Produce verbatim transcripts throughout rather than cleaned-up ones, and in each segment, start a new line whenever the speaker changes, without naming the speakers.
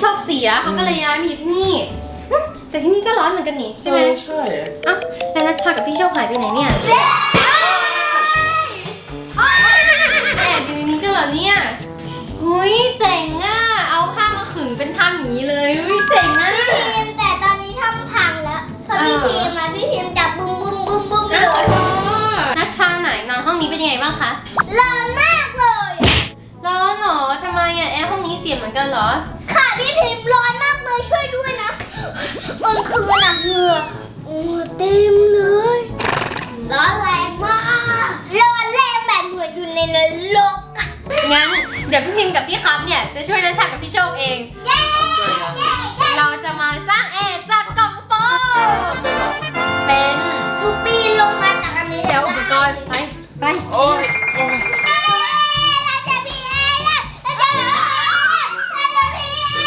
คเสียเขาก็เลยย้ายมาอยู่ที่นี่แต่ที่นี่ก็ร้อนเหมือนกันนี่ใช่ไหม
ใช่
อ้าวแล้วนัชชากับพี่โชคหายไปไหนเนี่ยแอบอยู่ในนี้ก็เหรอเนี่ยเฮ้ยเจ๋งอ่ะเอาผ้ามาขึงเป็นถ้ำอย่างนี้เลยเฮ้ยเจ๋งนะ
พี่พิมแต่ตอนนี้ถ้ำพังแล้วพอพี่พิมมาพี่พิมจับบุ้มบุ้มบุ้มบุ้มเลย
นัชชาไหนนอนห้องนี้เป็นยังไงบ้างคะ
ร้อนมากเลย
ร้อนเหรอทำไมอ่ะแอร์ห้องนี้เสียเหมือนกันเหรอ
ค่ะพี่พิมร้อนมากเลยช่วยด้วยนะกลางคืนอะเหงื่อโอ้เต็มเลยร้อนแรงมากร้อนแรงแบบเหมือนอยู่ในนรกอะ
งั้นเดี๋ยวพี่พิมกับพี่ครับเนี่ยจะช่วยนัชชากับพี่โชคเอง
เย้เย้เย้
เราจะมาสร้างแอร์จากกล่องโฟมเป็น
กูปีนลงมาจากอันนี้
เดี๋ยวอุปกรณ์ไปไป
โอ้ยโอ้ย
เราจะมีแอร์แล้วเราจะมีแอร์เราจะมีแอร์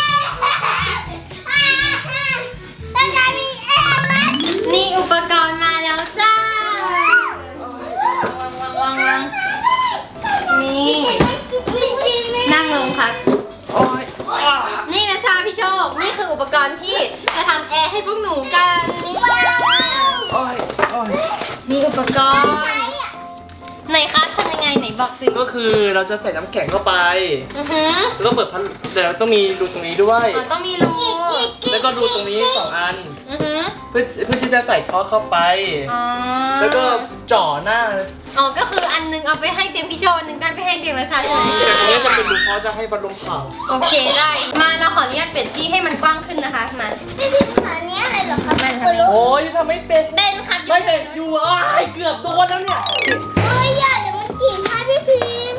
เราจะมีแอร์แล้ว
นี่อุปกรณ์มาแล้วจ้าวางวางวางวางนี่นั่งลงครับ
โอ้ย
นี่นะชาพี่โชคนี่คืออุปกรณ์ที่จะทำแอร์ให้พวกหนูกันนี่
โอ้ยโอ้ย
มีอุปกรณ์ไหนคะทำยังไงไหนบอกสิ
ก็คือเราจะใส่น้ำแข็งเข้าไป
อือหือ
แล้วก็เปิดพัดเดี๋ยวต้องมีรูตรงนี้ด้วย
อ๋อต้องมีรู
แล้วก็รูตรงนี้สองอัน
อือหือ
เพื่อเพื่อที่จะใส่ท่อเข้าไป
อ๋อ
แล้วก็จ่อหน้า
อ๋อก็คืออันนึงเอาไปให้เตียงพี่โชคอันนึงได้ไปให้เตียงนะชาใช่ไหม
แต่ตรงนี้จะเป็นรูเพราะจะให้พัดลมเป่า
โอเคได้ มาเราขออนุญาตเปลี่ยนที่ให้มันกว้างขึ้นนะคะมา
พี่พิมพ์อันนี้อะไรเหรอครับ
มันทำไม
โอ้ยทำไม่เป็น
เบนค่ะ
ไม่เห็นอยู่อ้ายเกือบโดนแล้วเนี่ย
เฮ้ยอย่าเดี๋ยวมันกินให้พี่พิมพ์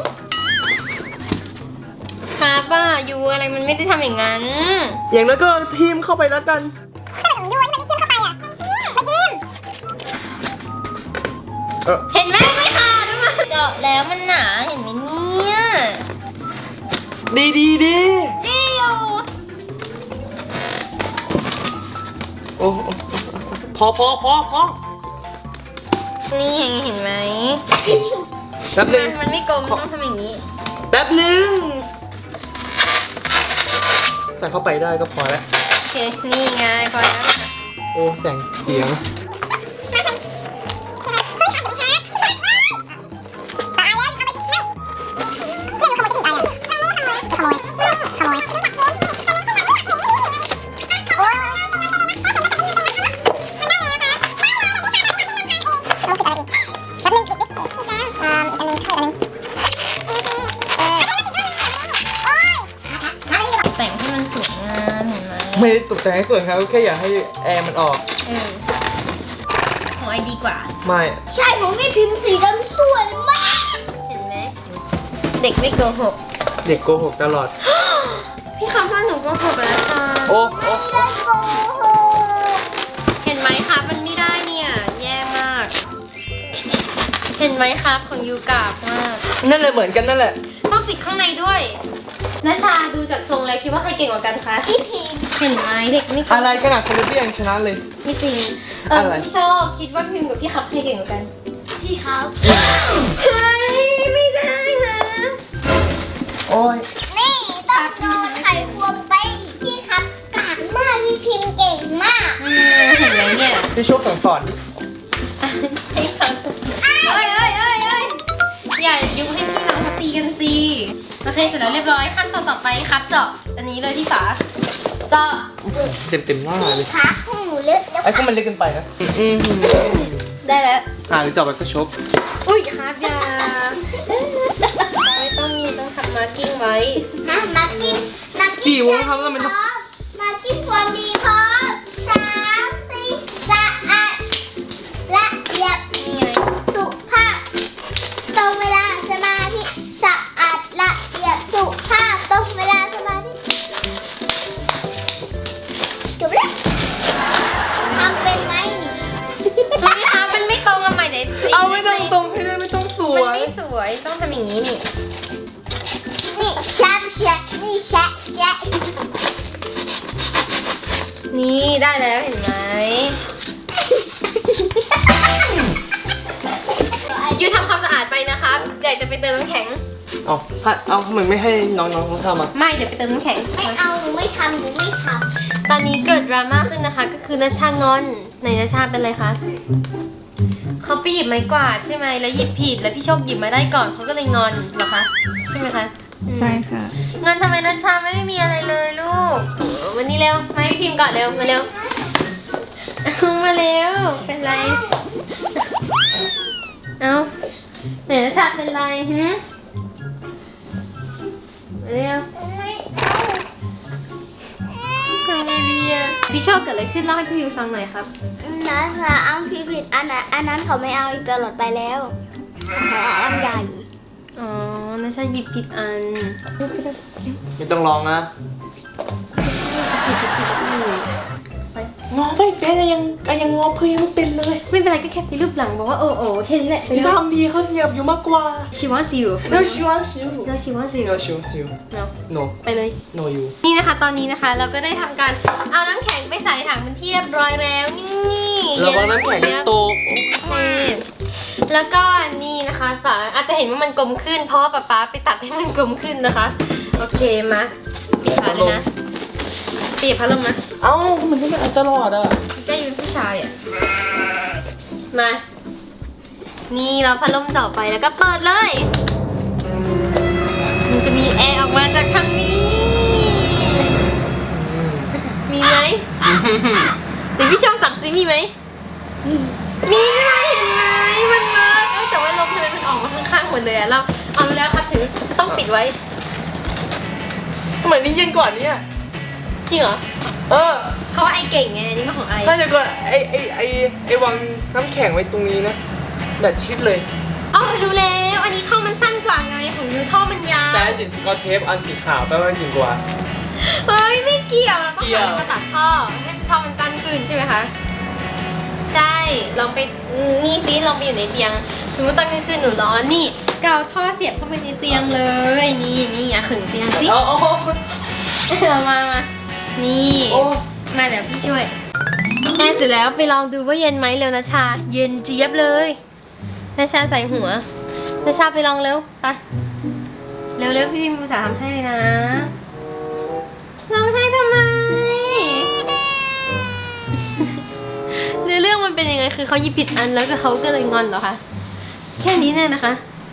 ครับว่ายูอะไรมันไม่ได้ทำอย่างนั้น
อย่างนั้นก็ทีมเข้าไปแล้วกัน เออ
เห็นไหมไม่ขาดมันเจาะแล้วมันหนาเห็นไหมเนี่ย
ดีดีดี
ดีอยู่
โอ้โอ้พอพอพอพอ
นี่เห็นไหม
แป๊บหนึง
มันไม่กลมต้องทำอย่างนี้
แป๊บหนึงใส่เข้าไปได้ก็พอแล้ว
โอเคนี่ไงพอแล้ว
โอ้แสงเสียง
แต่งให้มันสวยงามเห็นไหม
ไม่ได้ตกแต่งให้สวยครับแค่อยากให้แอร์มันออก
เออของไอดีกว่า
ไม่
ใช่ผมไม่พิมพ์สีดำสวยมาก
เห็นไหมเด็กไม่โกหก
เด็กโกหกตลอด
พี่คำว่าหนูโกหกแล้วค่ะ
โอ้โอ้
ไม่ได้โกหก
เห็นไหมคะมันไม่ได้เนี่ยแย่มาก เห็นไหมครับของยูกาบมาก
นั่นเลยเหมือนกันนั่นแหละ
ต้องติดข้างในด้วยนัชชาดูจากทรงแล้วคิดว่าใครเก่งกว่ากันคะ
พี่พิมพ์
เห็นไหมเด็กไม่เก่ง
อะไรขนาดคนเดียวยังชนะเลย
ไม่จริงเออ
อะไร
พี่โชคคิดว่าพิมพ์กับพี่ครับใครเก่งกว่ากัน
พี่เขา
เฮ้ยไม่ได้นะ
โอ้ย
นี่ต้องโดนไข่ควงไปพี่ครับกากมากพี่พิมพ์เก่งมาก
อืมเห็นไหมเนี่ย
พี่โชคสั่งสอน
ให้เขาเอ้ยเอ้ยเอ้ยเอ้ยอย่ายุให้พี่น้องเขาตีกันสิโอเคเสร็จแล้วเรียบร้อยขั้นตอนต่อไปครับเจาะอันนี้เลยที่ฝาเจาะ
เต็มเต็มหน้า
พี่
เลย
คะของหนูเลือกแล้ว
ไอ้พวกมันเล็กเกินไปนะอืม
ได้แล้ว
อ่าหรือต่อไปก็ชก
อุ้ยครับอย่าไม่ต้องมีต้องทำมาร์กิ้งไว้
นะมากินมากิน
กี่วงครับแล้วมันต้อง
มากินความดีพร้อมสามสี่สะอาดละเอียด
นี่ไง
สุภาพตรงเวลาสมาธิสะอาดละเอียดสุภาพตรงเวลาสมาธิจบแล้วทำเป็นไหมนี่
ไม่คะมันไม่ตรงอะใหม่เดี๋ยว
เอาไม่ต้องตรงให้ได้ไม่ต้องส
มัน
วย
ไม่สวยต้องทำอย่างนี้นี่
นี่แชะแชะนี่แชะแชะ
นี่ได้แล้วเห็นไหมยูทำความสะอาดไปนะครับอยากจะไปเติมน้ำแข็ง
เอาเอาทำไมไม่ให้น้องๆเขาทำอ่ะ
ไม่เดี๋ยวไปเติมน้ำแข็ง
ไม่เอาหนูไม่ทำหนูไม่ท
ตอนนี้เกิดดราม่าขึ้นนะคะ ก็คือนัชชางอนไหนนัชชาเป็นไรคะเขาไปหยิบไม้กวาดใช่ไหมแล้วหยิบผิดแล้วพี่โชคหยิบมาได้ก่อนเขาก็เลยงอนเหรอคะใช่ไหมคะอืม
ใช่ค่ะ
งอนทำไมนัชชาไม่ได้มีอะไรเลยลูกวันนี้เร็วมาให้พิมพ์ก่อนเร็วมาเร็วเอามาเร็วเป็นไรเอาไหนนัชชาเป็นไรหืมมาเร็ว
ำไม่
ทำไงดีอะพี่โชคเกิดอะไรขึ้นเล่าให้พี่พิมฟังหน่อยครับ
นะคะอ้ำพี่ผิดอันนั้นอันนั้นเขาไม่เอาอีกตลอดไปแล้วเขาเอาอันใหญ่
อ๋อนัชชาหยิบผิดอัน
ไม่ต้องร้องนะ
ผิดผิดผิดผิด
งอไม่เป็นยังยังงอเพื่อนไม่เป็นเลย
ไม่เป็นไรก็แค่ไปรูปหลังบอกว่าโอ้โอ้แค่นี้แหละไป
ที่
เลย
ทำดีเขาเสียบอยู่มากกว่า
she wants you
no she wants you
no she wants you
no she wants you
no
no
ไปเลย
no you
นี่นะคะตอนนี้นะคะเราก็ได้ทำการเอาน้ำแข็งไปใส่ถังเป็นที่เรียบร้อยแล้วนี่
ระวังน้ำแข็งโตก
โอเคแล้วก็นี่นะคะฝาอาจจะเห็นว่ามันกลมขึ้น เพราะว่าป๊าป๊าไปตัดให้มันกลมขึ้นนะคะโอเคมาปิดฝาเลยนะปิดพัดลมนะ
เอ้ามันไม่ได้ตลอดอ่ะ
แกอยู่เป็นผู้ชายอ่ะมานี่เราพัดลมจ่อไปแล้วก็เปิดเลยมันจะมีแอร์ออกมาจากทางนี้ มีไหมเดี๋ยวพี่ช่องจับซิมีไหมมีใช่ไหมเห็นไหมมันมาเอ้ยแต่ว่าลมทำไมมันออกมาข้างๆหมดเลยอะเราเอาแล้วครับถึงต้องปิดไว้
ทำไมนี่เย็นกว่านี้อ่ะ
จริงเหรอ
เออ
เพราะว่าไอเก่งไงอันนี่มาของไอ
ถ้าเดี๋ยวก่อนไอไอไอไอวางน้ำแข็งไว้ตรงนี้นะแบบชิดเลย
อ๋อรู้แล้วอันนี้ท่อมันสั้นกว่าไงของยูท่อมันยาว
แต่อันสีสกอตเทปอันสีขาวแปลว่าจริงกว่า
เฮ้ยไม่เกี่ยวเราต้อง
เกี่ยว
หามาตัดท่อให้ท่อมันสั้นขึ้นใช่ไหมคะใช่ลองไปนี่ซิลองไปอยู่ในเตียงสมมติตอนกลางคืนหนูร้อนนี่ก็เอาท่อเสียบเข้าไปในเตียงเลยนี่นี่อ่ะขึงเตียงสิ
เอาเอา
เอามามานี่
โอ้
มาเดี๋ยวพี่ช่วยแอร์เสร็จแล้วไปลองดูว่าเย็นไหมเร็วนะชา เย็นเจี๊ยบเลยนะชาใส่หัวนะชาไปลองเร็วไปเร็วๆพี่พิมพ์ภาษาห์ทำให้เลยนะร้องไห้ทำไม เนื้อเรื่องมันเป็นยังไงคือเขาหยิบผิดอันแล้วก็เขาก็เลยงอนเหรอคะแค่นี้แน่นะคะ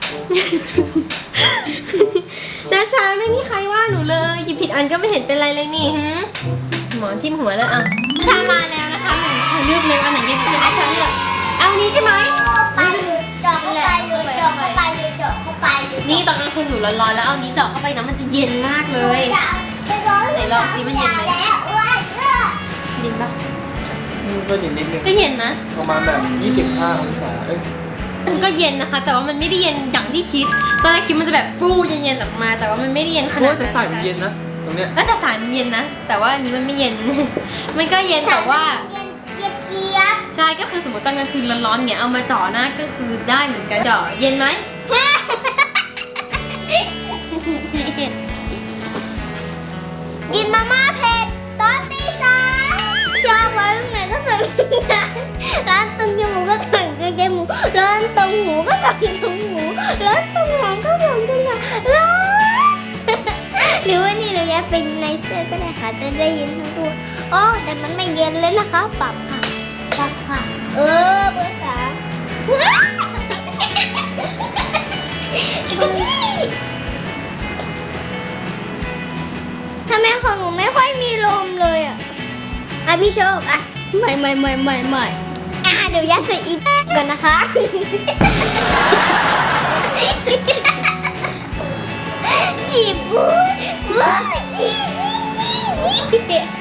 นะชาไม่มีใครว่าหนูเลยหยิบผิดอันก็ไม่เห็นเป็นไรเลยนี่หืมหมอนทิ่มหัวแล้วอ่ะชามาแล้วนะคะหนึ่งเธอเลือกเลยอันไหนเย็นกันนะชาเลือกเอาอันนี้ใช่ไหม
ไปเลยเจาะเข้าไปเลยเจาะเข้าไปเลยเจาะเข้าไปเลย
นี่ตอนกลางคืนหนูร้อนๆแล้วเอานี้เจาะเข้าไปนะมันจะเย็นมากเลย ไหนลองสิมันเย็นไหม
แล้วอ้วนเลิก
เย็นปะ
ก็เย็นนิดนึง
ก็เย็นนะ
ประมาณแบบยี่สิบห้าองศาเอ้ย
มันก็เย็นนะคะ แต่ว่ามันไม่ได้เย็นอย่างที่คิดตอนแรกคิดมันจะแบบฟูเย็นๆออกมา แต่ว่ามันไม่ได้เย็นขนา
โอ้
ด
ยแต่
นั้น
สายมันเย็นนะตรงเนี้ย
ก็แต่สายมันเย็นนะ แต่ว่าอันนี้มันไม่เย็น มันก็เย็นแต่ว่า
เย็นเจี๊ยบเจี๊ยบ
ใช่ก็คือสมมติตอนกลางคืนร้อนๆเนี่ยเอามาจ่อหน้าก็คือได้เหมือนกันจ่อเย็นไหม
กินมาม่าเผ็ดตอนตีสามชอบร้านตรงไหนก็สั่งร้านตรงจมูกก็สั่งตรงจมูกร้านตรงหูก็สั่งตรงหูร้านตรงหลังก็สั่งตรงหลังร้านหรือว่านี่เราจะเป็นในเสื้อก็ได้ค่ะจะได้ยินทั้งตัวอ๋อแต่มันไม่เย็นเลยนะคะปรับค่ะปรับค่ะเออเบอร์สามทำไมของหนูไม่ค่อยมีลมเลยอ่ะอ่ะพี่โชคอ่ะไม่ไม่ไม่ไม่ไม่อ่ะเดี๋ยวยัดใส่อีกก่อนนะคะจีบบู๊บู๊จีจีจีจี